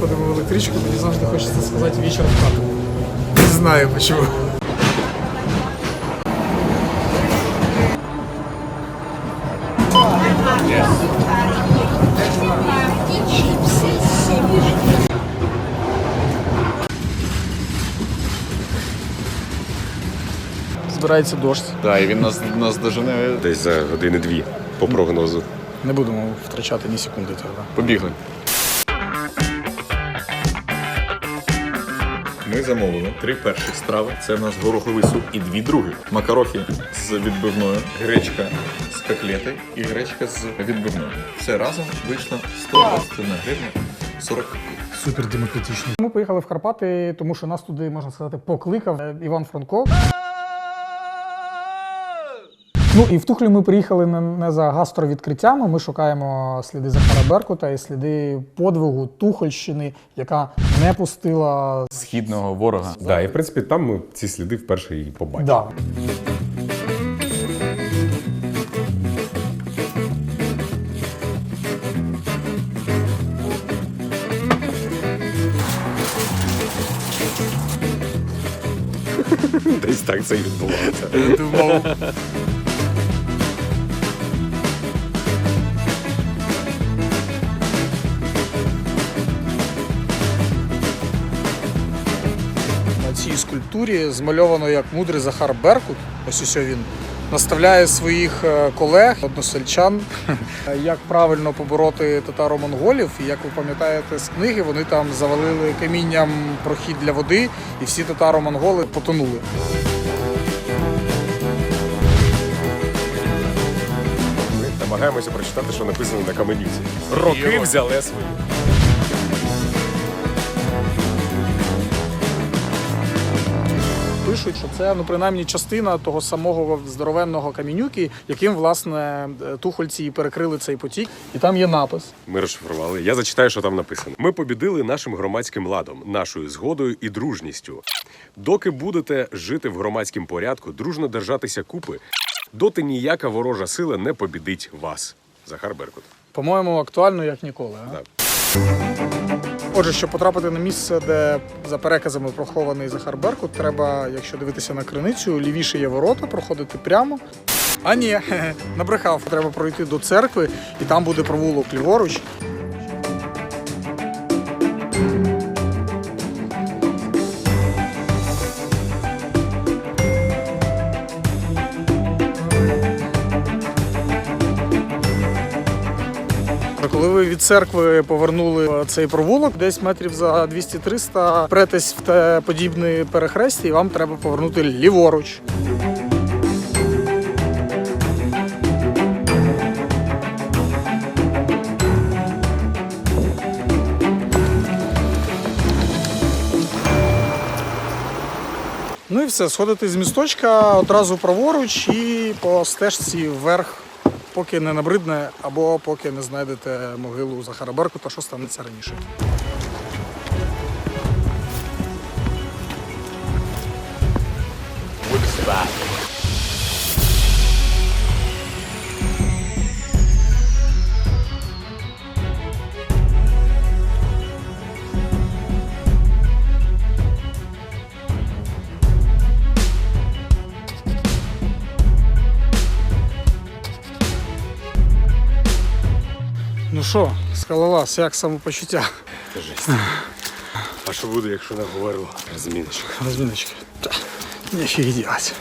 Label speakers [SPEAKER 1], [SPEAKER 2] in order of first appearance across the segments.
[SPEAKER 1] заходимо в електричку, мені завжди хочеться сказати вечір в хату. Не знаю чому. Збирається дощ.
[SPEAKER 2] Так, і він нас дожене.
[SPEAKER 3] Десь за години-дві по прогнозу.
[SPEAKER 1] Не будемо втрачати ні секунди тоді.
[SPEAKER 2] Побігли. Ми замовили 3 перших страви. Це в нас гороховий суп і 2 других. Макарохи з відбивною, гречка з котлети і гречка з відбивною. Все разом вийшло 121 гривня 40 копійок.
[SPEAKER 1] Супер демократично. Ми поїхали в Карпати, тому що нас туди, можна сказати, покликав Іван Франко. Ну і в Тухлі ми приїхали не за гастровідкриттями, ми шукаємо сліди Захара Беркута і сліди подвигу Тухольщини, яка не пустила
[SPEAKER 2] Східного ворога.
[SPEAKER 3] Да, і в принципі там ми ці сліди вперше і побачили.
[SPEAKER 1] Да.
[SPEAKER 3] Десь так це і відбувалося.
[SPEAKER 1] На цій скульптурі змальовано як мудрий Захар Беркут, ось він, наставляє своїх колег, односельчан, як правильно побороти татаро-монголів. І як ви пам'ятаєте з книги, вони там завалили камінням прохід для води, і всі татаро-монголи потонули.
[SPEAKER 3] Ми намагаємося прочитати, що написано на каменюці. Роки взяли свої.
[SPEAKER 1] Пишуть, що це, принаймні, частина того самого здоровенного камінюки, яким, власне, тухольці і перекрили цей потік. І там є напис.
[SPEAKER 3] Ми розшифрували. Я зачитаю, що там написано. Ми побідили нашим громадським ладом, нашою згодою і дружністю. Доки будете жити в громадському порядку, дружно держатися купи, доти ніяка ворожа сила не побідить вас. Захар Беркут.
[SPEAKER 1] По-моєму, актуально, як ніколи. А?
[SPEAKER 3] Так.
[SPEAKER 1] Отже, щоб потрапити на місце, де за переказами прохований Захар Беркут, треба, якщо дивитися на криницю, лівіше є ворота, проходити прямо. А ні, набрехав. Треба пройти до церкви, і там буде провулок ліворуч. Коли ви від церкви повернули цей провулок, десь метрів за 200-300, претесь в те подібне перехрестя, і вам треба повернути ліворуч. Ну і все, сходите з місточка одразу праворуч і по стежці вверх, поки не набридне або поки не знайдете могилу Захара Беркута, що станеться раніше. Ну що, скалолаз, як самопочуття?
[SPEAKER 3] Жесть. А що буде, якщо не говорило? Розміночка.
[SPEAKER 1] Розміночки. Нічого делать.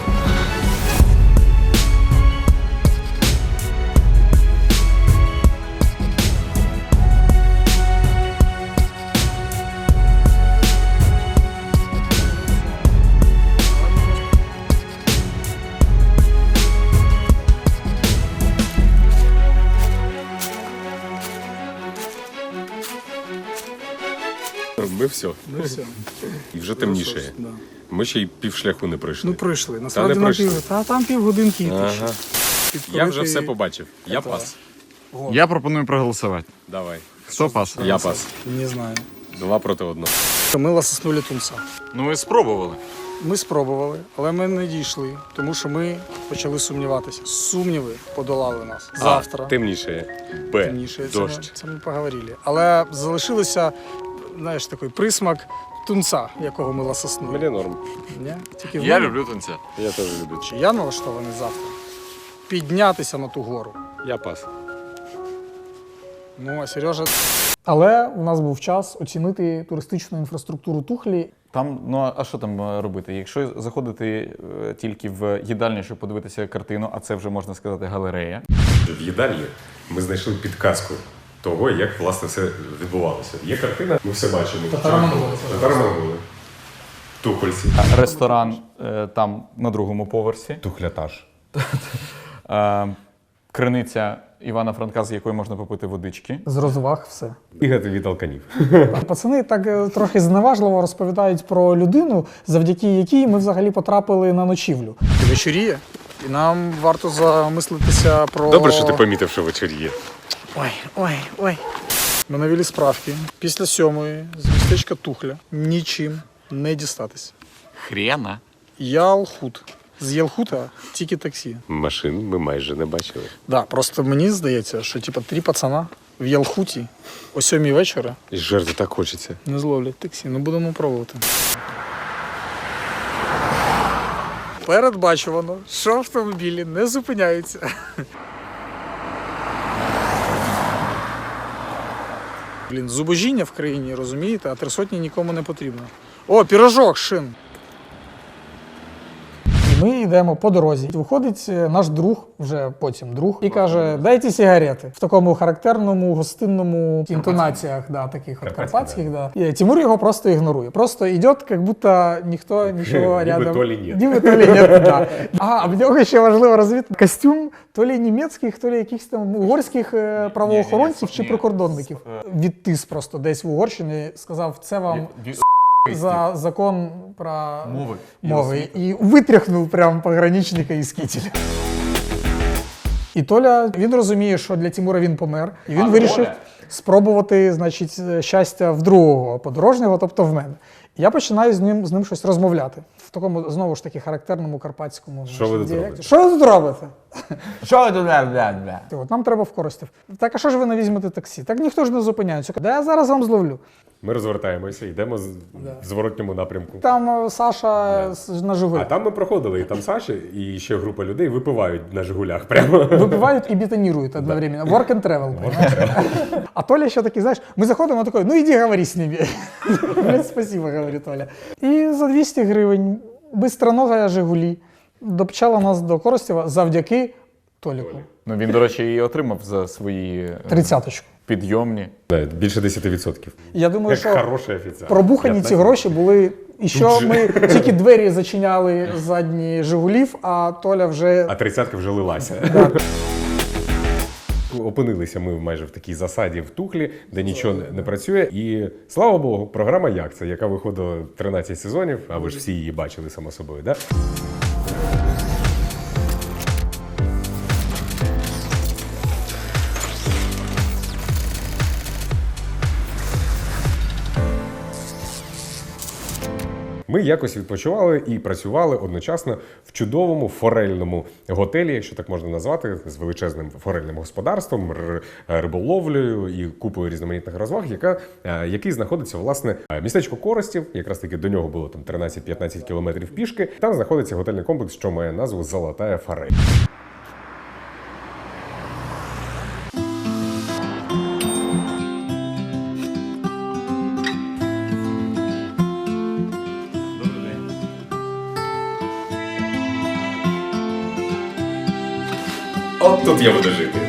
[SPEAKER 3] Ми все.
[SPEAKER 1] Ну все.
[SPEAKER 3] І вже темніше.
[SPEAKER 1] Да.
[SPEAKER 3] Ми ще й півшляху не пройшли.
[SPEAKER 1] Ну пройшли.
[SPEAKER 3] Та
[SPEAKER 1] Насправді
[SPEAKER 3] не
[SPEAKER 1] на
[SPEAKER 3] пройшли.
[SPEAKER 1] там півгодинки йти.
[SPEAKER 3] Ага. Я вже все побачив. Я пас.
[SPEAKER 2] Я пропоную проголосувати.
[SPEAKER 3] Давай.
[SPEAKER 2] Хто пас?
[SPEAKER 3] Я пас.
[SPEAKER 1] Не знаю.
[SPEAKER 3] 2 проти 1.
[SPEAKER 1] Мила соснулі тунца.
[SPEAKER 2] Ну ви спробували.
[SPEAKER 1] Ми спробували, але ми не дійшли, тому що ми почали сумніватися. Сумніви подолали нас. Завтра.
[SPEAKER 3] Темніше. Б.
[SPEAKER 1] Темніше.
[SPEAKER 3] Дощ.
[SPEAKER 1] Це ми поговорили. Але залишилося знаєш, такий присмак тунца, якого ми ласоснули.
[SPEAKER 3] Мені норм.
[SPEAKER 1] Ні? Тільки в
[SPEAKER 2] Я
[SPEAKER 1] мене?
[SPEAKER 2] люблю тунця.
[SPEAKER 3] Я теж люблю.
[SPEAKER 1] Чи я налаштований завтра піднятися на ту гору.
[SPEAKER 3] Я пас.
[SPEAKER 1] Ну, а Сережа... Але у нас був час оцінити туристичну інфраструктуру Тухлі.
[SPEAKER 4] Там, ну а що там робити? Якщо заходити тільки в їдальню, щоб подивитися картину, а це вже можна сказати галерея.
[SPEAKER 3] В їдальні ми знайшли підказку того, як власне все відбувалося. Є картина, ми все бачимо. Татаро-монголи. Тухольці.
[SPEAKER 4] Ресторан там на другому поверсі.
[SPEAKER 3] Тухлятаж.
[SPEAKER 4] Криниця Івана Франка, з якої можна попити водички.
[SPEAKER 1] З розваг все.
[SPEAKER 3] Бігати від алканів.
[SPEAKER 1] Пацани так трохи зневажливо розповідають про людину, завдяки якій ми взагалі потрапили на ночівлю. Вечоріє, і нам варто замислитися про...
[SPEAKER 3] Добре, що ти помітив, що вечоріє.
[SPEAKER 1] Ой. Ми навели справки. Після 7-ї з містечка Тухля нічим не дістатися.
[SPEAKER 2] Хрена.
[SPEAKER 1] Ялхут. З Ялхута тільки таксі.
[SPEAKER 3] Машин ми майже не бачили.
[SPEAKER 1] Да, просто мені здається, що типа 3 пацана в Ялхуті о 7-й вечора
[SPEAKER 3] І жерти так хочеться.
[SPEAKER 1] не зловлять таксі. Ну будемо пробувати. Передбачувано, що автомобілі не зупиняються. Блін, зубожіння в країні, розумієте, а 300 нікому не потрібно. О, пірожок, шин. І ми йдемо по дорозі. Виходить наш друг, вже потім друг, і каже, дайте сигарети. В такому характерному, гостинному інтонаціях, да, таких от карпатських. Да. І Тимур його просто ігнорує. Просто йде, як будто ніхто нічого
[SPEAKER 3] Ніби
[SPEAKER 1] рядом.
[SPEAKER 3] то лі ні.
[SPEAKER 1] Ніби то лі ні, да. А в нього ще важливо розвідати костюм то лі німецьких, то лі якихось там угорських правоохоронців чи прикордонників. Відтис просто десь в Угорщині, сказав, це вам за закон про мови. І витряхнув прям пограничника із кітеля. І Толя, він розуміє, що для Тимура він помер. І він вирішив спробувати, значить, щастя в другого подорожнього, тобто в мене. Я починаю з ним щось розмовляти. В такому, знову ж таки, характерному карпатському
[SPEAKER 3] Що ви тут
[SPEAKER 1] діалекті.
[SPEAKER 3] робите?
[SPEAKER 1] Що ви тут робите?
[SPEAKER 4] Що ви тут бля?
[SPEAKER 1] От нам треба в Коростів. Так, а що ж ви не візьмете таксі? Так ніхто ж не зупиняється. Да я зараз вам зловлю.
[SPEAKER 3] Ми розвертаємося, йдемо в зворотньому напрямку.
[SPEAKER 1] Там Саша на
[SPEAKER 3] А
[SPEAKER 1] Жигулях.
[SPEAKER 3] там ми проходили, і там Саші, і ще група людей випивають на Жигулях прямо.
[SPEAKER 1] Випивають і бетонируют одновременно. Work and travel. А Толя ще такий, знаєш, ми заходимо, такий, ну іди говори з ними. Блять, спасибо, говорить Толя. І за 200 гривень бистронога Жигулі допчала нас до Коростєва завдяки Толіку.
[SPEAKER 4] Ну він, до речі, і отримав за свої
[SPEAKER 1] 30-очку.
[SPEAKER 4] підйомні.
[SPEAKER 3] Більше 10%.
[SPEAKER 1] Я думаю,
[SPEAKER 3] Як
[SPEAKER 1] що
[SPEAKER 3] хороший офіцер.
[SPEAKER 1] пробухані ці
[SPEAKER 3] 15.
[SPEAKER 1] гроші були, і що ми тільки двері зачиняли задні Жигулів, а Толя вже...
[SPEAKER 3] А 30-ка вже лилася. Опинилися ми майже в такій засаді в Тухлі, де нічого не працює. І слава Богу, програма «Як це?», яка виходила 13 сезонів, а ви ж всі її бачили, само собою, да? Ми якось відпочивали і працювали одночасно в чудовому форельному готелі, якщо так можна назвати, з величезним форельним господарством, риболовлею і купою різноманітних розваг, який знаходиться, власне, містечко Коростів, якраз таки до нього було там 13-15 кілометрів пішки. Там знаходиться готельний комплекс, що має назву «Золотая форель». От тут я буду жити.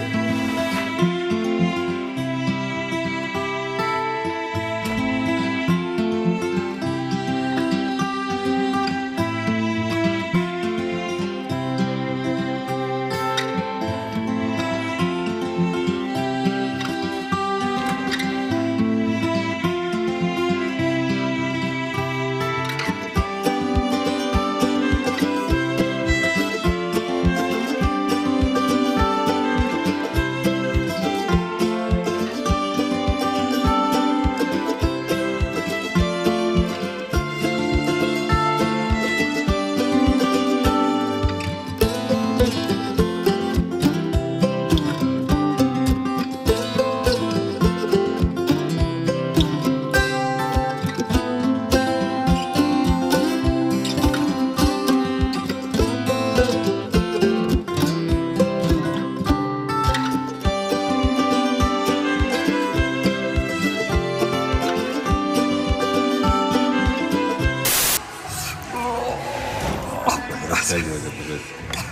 [SPEAKER 3] Растягивайте, пожалуйста.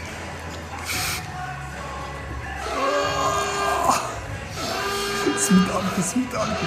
[SPEAKER 1] Сметанки.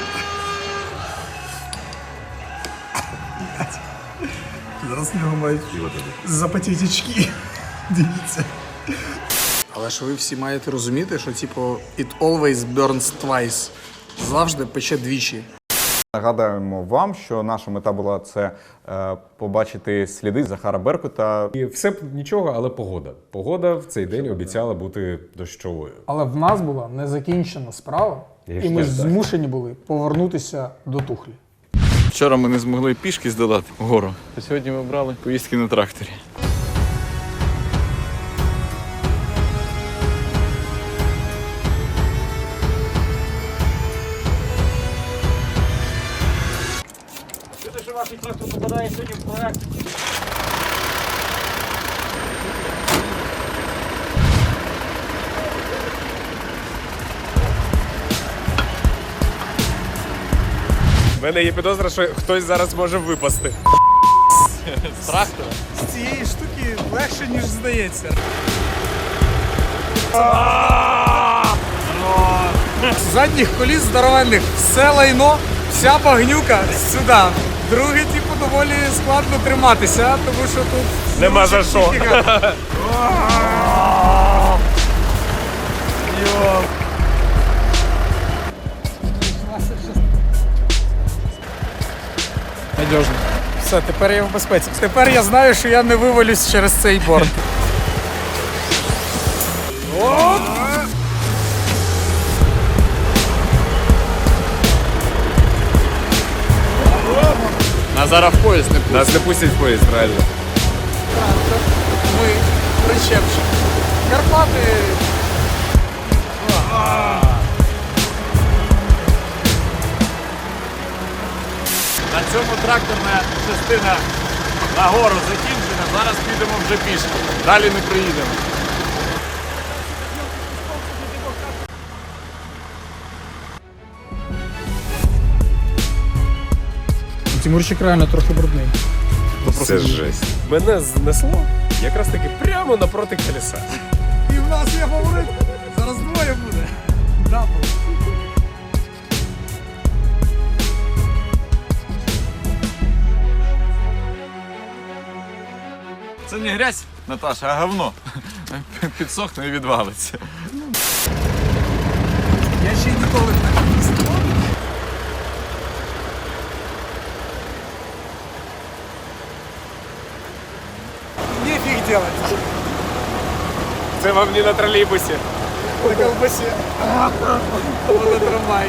[SPEAKER 1] Зараз в нього мають запотіти очки. Дивіться. Але ж ви всі маєте розуміти, що типу it always burns twice. Завжди пече двічі.
[SPEAKER 4] Нагадаємо вам, що наша мета була це побачити сліди Захара Беркута.
[SPEAKER 3] І все б нічого, але погода. Погода в цей день обіцяла бути дощовою.
[SPEAKER 1] Але в нас була незакінчена справа, і ми змушені були повернутися до Тухлі.
[SPEAKER 5] Вчора ми не змогли пішки здолати гору. А сьогодні ми брали поїздки на тракторі.
[SPEAKER 3] У мене є підозра, що хтось зараз може випасти.
[SPEAKER 1] З цієї штуки легше, ніж здається. З задніх коліс здоровенних все лайно, вся багнюка сюди. Друге, типу, доволі складно триматися, тому що тут
[SPEAKER 3] Нема за що.
[SPEAKER 1] Надіжно. Все, тепер я в безпеці. Тепер я знаю, що я не вивалюсь через цей борт. Оп!
[SPEAKER 5] Нас зараз в поїзд не пустять.
[SPEAKER 3] Нас не пустять в поїзд, реально.
[SPEAKER 1] Ми причепші. Карпати.
[SPEAKER 5] На цьому тракторна частина нагору закінчена. Зараз підемо вже пішки. Далі не приїдемо.
[SPEAKER 1] Тимурчик реально трохи брудний.
[SPEAKER 3] Це жесть. Мене знесло якраз таки прямо напроти колеса.
[SPEAKER 1] І в нас є фаворит. Зараз двоє буде. Дабл.
[SPEAKER 5] Це не грязь, Наташа, а говно. Підсохне і відвалиться.
[SPEAKER 1] Я ще ніколи так не їздив. Нефиг делать.
[SPEAKER 3] Це вам не на тролейбусі.
[SPEAKER 1] На колбасе. На трамвае.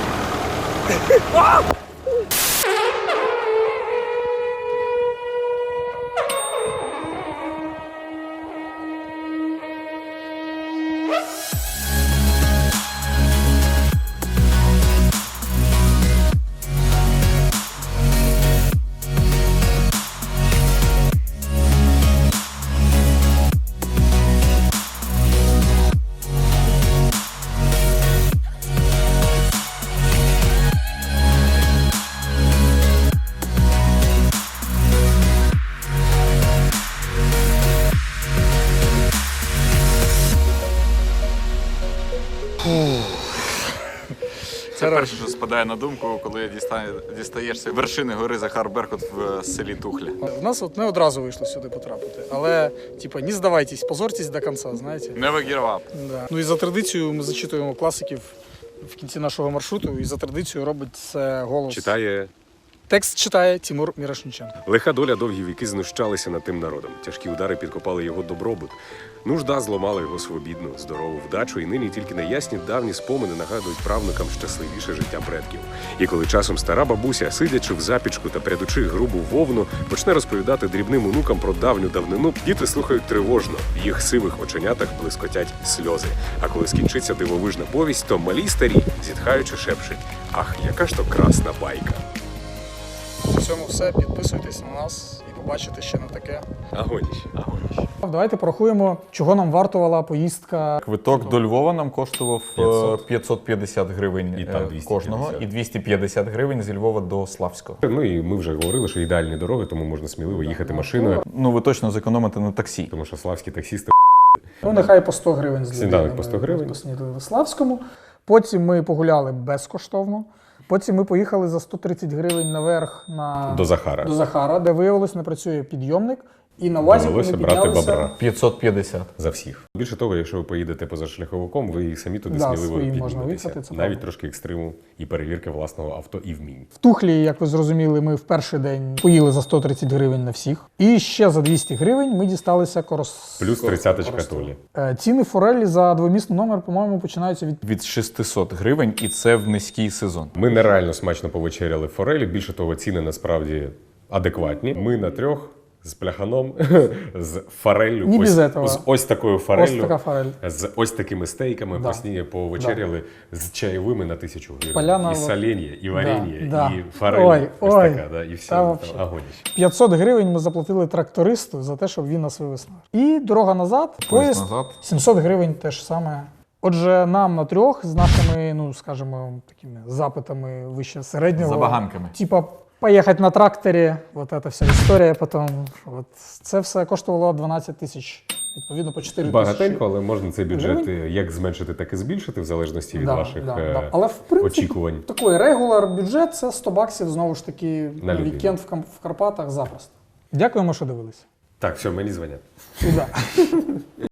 [SPEAKER 5] Це перше, що спадає на думку, коли дістаєшся вершини гори Захар Беркут в селі Тухля.
[SPEAKER 1] У нас от не одразу вийшло сюди потрапити, але типа не здавайтесь, позорьтесь до кінця, знаєте.
[SPEAKER 5] Never give up.
[SPEAKER 1] Да. Ну і за традицією ми зачитуємо класиків в кінці нашого маршруту, і за традицією робить це голос.
[SPEAKER 3] Читає.
[SPEAKER 1] Текст читає Тимур Мірошниченко.
[SPEAKER 3] Лиха доля довгі віки знущалися над тим народом. Тяжкі удари підкопали його добробут. Нужда зламала його свобідну, здорову вдачу, і нині тільки неясні давні спомини нагадують правнукам щасливіше життя предків. І коли часом стара бабуся, сидячи в запічку та прядучи грубу вовну, почне розповідати дрібним онукам про давню давнину, діти слухають тривожно, в їх сивих оченятах блискотять сльози. А коли скінчиться дивовижна повість, то малі й старі, зітхаючи, шепчуть: «Ах, яка ж то красна байка!»
[SPEAKER 1] На цьому все. Підписуйтесь на нас і побачите ще не таке.
[SPEAKER 3] Агоніще.
[SPEAKER 1] Давайте порахуємо, чого нам вартувала поїздка.
[SPEAKER 4] Квиток до Львова нам коштував 550 гривень
[SPEAKER 3] І там 250.
[SPEAKER 4] кожного, і 250 гривень зі Львова до Славського.
[SPEAKER 3] Ну і ми вже говорили, що ідеальні дороги, тому можна сміливо їхати машиною,
[SPEAKER 4] Ну, ви точно зекономите на таксі.
[SPEAKER 3] тому що славські таксісти.
[SPEAKER 1] Ну, нехай по 100 гривень з
[SPEAKER 3] Сніданок
[SPEAKER 1] людини
[SPEAKER 3] по 100
[SPEAKER 1] ми
[SPEAKER 3] гривень.
[SPEAKER 1] поснідали в Славському. Потім ми погуляли безкоштовно. Потім ми поїхали за 130 гривень наверх
[SPEAKER 3] До Захара.
[SPEAKER 1] до Захара, де виявилось, не працює підйомник. І на УАЗі ми
[SPEAKER 3] Довелося брати
[SPEAKER 1] піднялися.
[SPEAKER 3] бобра
[SPEAKER 4] 550.
[SPEAKER 3] за всіх. Більше того, якщо ви поїдете позашляховиком, ви самі туди
[SPEAKER 1] Да,
[SPEAKER 3] сміливо
[SPEAKER 1] своїм можна
[SPEAKER 3] підніметеся.
[SPEAKER 1] виїхати, це
[SPEAKER 3] Навіть
[SPEAKER 1] правда.
[SPEAKER 3] трошки екстриму і перевірки власного авто і вмінь.
[SPEAKER 1] В Тухлі, як ви зрозуміли, ми в перший день поїли за 130 гривень на всіх. І ще за 200 гривень ми дісталися
[SPEAKER 3] Плюс 30-очка Толі.
[SPEAKER 1] Ціни форелі за двомісний номер, по-моєму, починаються від
[SPEAKER 4] Від 600 гривень, і це в низький сезон.
[SPEAKER 3] Ми нереально смачно повечеряли в форелі. Більше того, ціни насправді адекватні. Ми на трьох з пляханом, з фореллю,
[SPEAKER 1] Ні без
[SPEAKER 3] ось,
[SPEAKER 1] этого.
[SPEAKER 3] з ось такою фореллю,
[SPEAKER 1] ось така форель.
[SPEAKER 3] з ось такими стейками,
[SPEAKER 1] Да.
[SPEAKER 3] повечеряли з чайовими на 1000 гривень.
[SPEAKER 1] Поляна
[SPEAKER 3] І
[SPEAKER 1] в-
[SPEAKER 3] соленья, і варенье,
[SPEAKER 1] да.
[SPEAKER 3] і форель.
[SPEAKER 1] Ой,
[SPEAKER 3] ось
[SPEAKER 1] ой.
[SPEAKER 3] така, да, і все,
[SPEAKER 1] Та
[SPEAKER 3] там
[SPEAKER 1] вообще.
[SPEAKER 3] агоніще.
[SPEAKER 1] 500 гривень ми заплатили трактористу за те, щоб він нас вивез. І дорога назад, поїзд
[SPEAKER 4] назад.
[SPEAKER 1] 700 гривень теж саме. Отже, нам на трьох з нашими, ну скажімо, такими запитами вище середнього.
[SPEAKER 4] Забаганками.
[SPEAKER 1] Типа поїхати на тракторі, от ця вся історія потім. От це все коштувало 12 тисяч. Відповідно, по 4 тисячі.
[SPEAKER 3] Багатенько, але можна цей бюджет як зменшити, так і збільшити, в залежності від ваших
[SPEAKER 1] Але в принципі,
[SPEAKER 3] очікувань.
[SPEAKER 1] такий регуляр бюджет це 100 баксів, знову ж таки, на
[SPEAKER 3] людину.
[SPEAKER 1] вікенд в Карпатах запросто. Дякуємо, що дивилися.
[SPEAKER 3] Так, все, мені дзвонять.
[SPEAKER 1] Да.